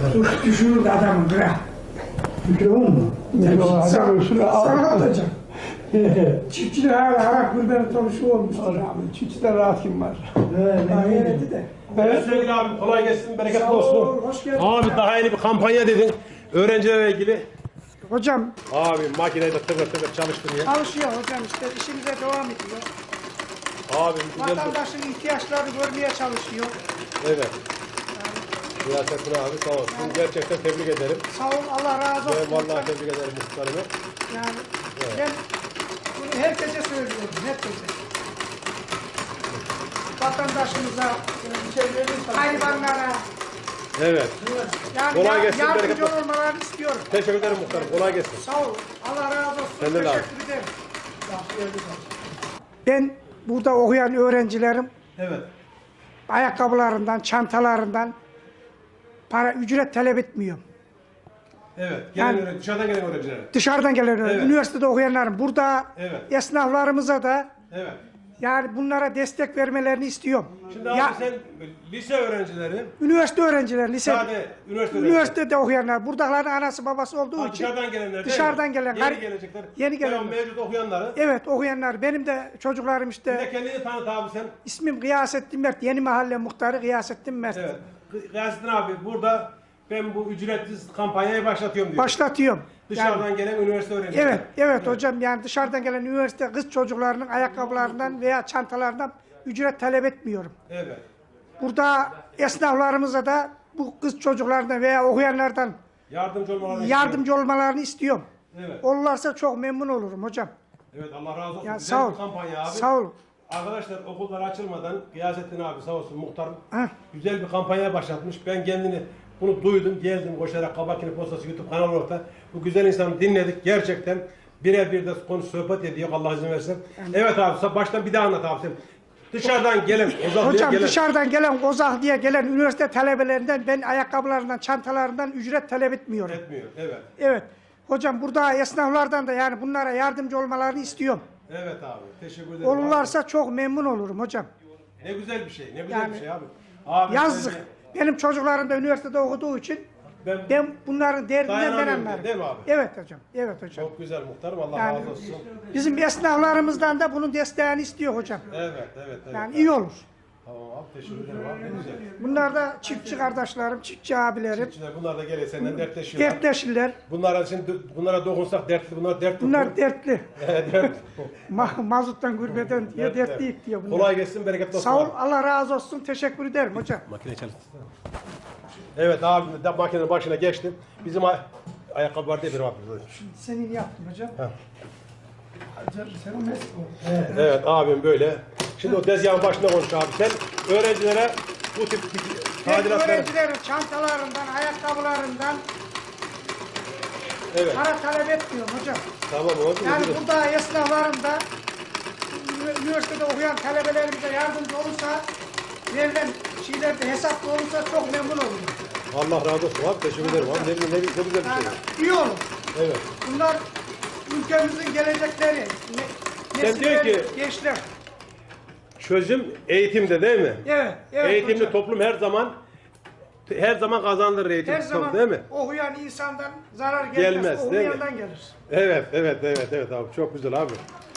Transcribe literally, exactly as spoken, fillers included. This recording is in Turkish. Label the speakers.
Speaker 1: Dur düşürür adamın bırak. Mikrofon mu?
Speaker 2: Sana
Speaker 1: Sana atacağım. Çiftçiler hala Arap gülbeni tanışı olmuştur abi.
Speaker 2: Çiftçide rahat kim var?
Speaker 1: Daha yenedi de.
Speaker 3: Evet sevgili abi kolay gelsin, bereketli
Speaker 1: Sağ ol,
Speaker 3: olsun.
Speaker 1: hoş geldin.
Speaker 3: Abi daha yeni bir kampanya dedin. Öğrencilerle ilgili.
Speaker 1: Hocam
Speaker 3: Abi makineyi de tıkır tıkır çalıştın ya.
Speaker 1: çalışıyor hocam işte işimize devam ediyor.
Speaker 3: Abi güzel bir...
Speaker 1: Vatandaşın ihtiyaçlarını görmeye çalışıyor.
Speaker 3: Evet. Siyasettin abi sağ olsun.
Speaker 1: Yani-
Speaker 3: Gerçekten tebrik ederim.
Speaker 1: Sağ ol Allah razı olsun.
Speaker 3: Ben vallahi
Speaker 1: hocam.
Speaker 3: tebrik ederim muhtarımı.
Speaker 1: Yani ben bunu herkese söylüyorum, herkese. Vatandaşımıza, hayvanlara,
Speaker 3: Evet.
Speaker 1: yani
Speaker 3: Kolay
Speaker 1: ya-
Speaker 3: gelsin,
Speaker 1: yardımcı
Speaker 3: bereketli olsun.
Speaker 1: olmalarını istiyorum.
Speaker 3: Teşekkür ederim muhtarım. Kolay gelsin.
Speaker 1: Sağ ol, Allah razı olsun.
Speaker 3: Senden de abi.
Speaker 1: Teşekkür ederim. Ben burada okuyan öğrencilerim
Speaker 3: Evet.
Speaker 1: ayakkabılarından, çantalarından para ücret talep etmiyorum.
Speaker 3: Evet. Gelen
Speaker 1: Yani-
Speaker 3: öğrenci, dışarıdan gelen öğrencilere.
Speaker 1: Dışarıdan gelen öğrenci,
Speaker 3: Evet.
Speaker 1: üniversitede okuyanlarım burada
Speaker 3: Evet.
Speaker 1: esnaflarımıza da
Speaker 3: Evet.
Speaker 1: yani bunlara destek vermelerini istiyorum.
Speaker 3: Şimdi abi
Speaker 1: Ya,
Speaker 3: sen lise öğrencileri,
Speaker 1: üniversite öğrencileri, lise,
Speaker 3: sade üniversite öğrencileri.
Speaker 1: üniversitede okuyanlar, buradakilerin anası babası olduğu
Speaker 3: Ha,
Speaker 1: için
Speaker 3: dışarıdan gelenler değil
Speaker 1: dışarıdan
Speaker 3: mi?
Speaker 1: gelen,
Speaker 3: Yeni
Speaker 1: gar-
Speaker 3: gelecekler.
Speaker 1: yeni gelenler.
Speaker 3: Devam mevcut okuyanları.
Speaker 1: evet okuyanlar, benim de çocuklarım
Speaker 3: Bir
Speaker 1: işte,
Speaker 3: de kendini tanıt abi sen.
Speaker 1: ismim Gıyasettin Mert, Yeni Mahalle Muhtarı Gıyasettin Mert.
Speaker 3: Evet. Gıyasettin abi burada ben bu ücretsiz kampanyayı başlatıyorum diyor.
Speaker 1: Başlatıyorum.
Speaker 3: Dışarıdan
Speaker 1: Yani-
Speaker 3: gelen üniversite öğrencileri.
Speaker 1: Evet, evet hocam, yani dışarıdan gelen üniversite kız çocuklarının ayakkabılarından veya çantalarından ücret talep etmiyorum.
Speaker 3: Evet.
Speaker 1: Burada esnaflarımıza da bu kız çocuklardan veya okuyanlardan
Speaker 3: Yardımcı olmalarını
Speaker 1: yardımcı olmalarını istiyorum.
Speaker 3: istiyorum. Evet.
Speaker 1: Olurlarsa çok memnun olurum hocam.
Speaker 3: Evet Allah razı olsun.
Speaker 1: Ya
Speaker 3: Güzel
Speaker 1: sağ ol.
Speaker 3: bir kampanya abi.
Speaker 1: Sağ ol.
Speaker 3: Arkadaşlar okullar açılmadan Gıyasettin abi sağ olsun muhtarım
Speaker 1: Heh.
Speaker 3: güzel bir kampanya başlatmış. Ben kendini bunu duydum, geldim koşarak Kabakini Postası YouTube kanalı orta. Bu güzel insanı dinledik. Gerçekten birebir de konuş sohbet ediyor Allah izin verirse. Evet abi baştan bir daha anlat abi sen. Dışarıdan gelen, uzaklığa
Speaker 1: Hocam
Speaker 3: gelen.
Speaker 1: dışarıdan gelen, Kozak diye gelen üniversite talebelerinden ben ayakkabılarından, çantalarından ücret talep etmiyorum.
Speaker 3: Etmiyor. Evet.
Speaker 1: Evet. Hocam burada esnaflardan da yani bunlara yardımcı olmalarını istiyorum.
Speaker 3: Evet abi. Teşekkür ederim.
Speaker 1: Olurlarsa çok memnun olurum hocam.
Speaker 3: Abi. Ne güzel bir şey. Ne güzel
Speaker 1: Yani
Speaker 3: bir şey abi. Abi
Speaker 1: Yazık.
Speaker 3: sen-
Speaker 1: Benim çocuklarım da üniversitede okuduğu için
Speaker 3: Ben,
Speaker 1: ben bunların derdinden ben
Speaker 3: Dayanamıyorum
Speaker 1: anlarım.
Speaker 3: değil mi abi?
Speaker 1: Evet hocam. Evet hocam.
Speaker 3: çok güzel muhtarım. Allah
Speaker 1: Yani-
Speaker 3: razı olsun.
Speaker 1: Bizim esnaflarımızdan da bunun desteğini istiyor hocam.
Speaker 3: Evet, evet, evet.
Speaker 1: Yani iyi olur.
Speaker 3: Tamam abi teşekkür ederim abi. Ne güzel.
Speaker 1: Bunlar da çiftçi kardeşlerim, çiftçi abilerim.
Speaker 3: Çiftçiler bunlar da geliyor senden dertleşiyorlar.
Speaker 1: Dertleşirler.
Speaker 3: Bunlara şimdi bunlara dokunsak dertli, bunlar dert tutuyor.
Speaker 1: Bunlar dertli.
Speaker 3: Evet, dert.
Speaker 1: Ma mazuttan gurbeden diye
Speaker 3: Dert,
Speaker 1: dertliyik
Speaker 3: dert.
Speaker 1: diyor bunlar.
Speaker 3: Kolay gelsin, bereketli olsun.
Speaker 1: Sağ ol,
Speaker 3: abi.
Speaker 1: Allah razı olsun. Teşekkür ederim hocam.
Speaker 3: Makine çalıştırsana. Evet abi de makinenin başına geçtim. Bizim ay ayakkabı var diye bir abi.
Speaker 1: Senin yaptım hocam.
Speaker 3: Ha.
Speaker 1: Sen o mesut ol.
Speaker 3: Evet abim böyle. Şimdi o tezgahın başında konuş abi. Sen öğrencilere bu tip
Speaker 1: Ben
Speaker 3: tadilatları...
Speaker 1: öğrencilerin çantalarından, ayakkabılarından
Speaker 3: Evet.
Speaker 1: para talep etmiyorum hocam.
Speaker 3: Tamam olsun.
Speaker 1: Yani
Speaker 3: güzel.
Speaker 1: burada esnaflarım da ünü- üniversitede okuyan talebelerimize yardımcı olursa, verilen şeylerde hesaplı olursa çok memnun olurum.
Speaker 3: Allah razı olsun abi. Teşekkür ederim abi. Ne, ne, ne güzel bir şey.
Speaker 1: Yani iyi olur.
Speaker 3: Evet.
Speaker 1: Bunlar ülkemizin gelecekleri. Ne,
Speaker 3: Sen
Speaker 1: nesilleri,
Speaker 3: diyor ki-
Speaker 1: gençler.
Speaker 3: Çözüm eğitimde değil mi?
Speaker 1: Evet, evet
Speaker 3: Eğitimli
Speaker 1: hocam.
Speaker 3: toplum her zaman her zaman kazanır eğitim
Speaker 1: Her zaman
Speaker 3: değil mi?
Speaker 1: okuyan insandan zarar gelmez,
Speaker 3: Gelmez, değil mi?
Speaker 1: okuyandan gelir.
Speaker 3: Evet, evet, evet, evet abi. Çok güzel abi.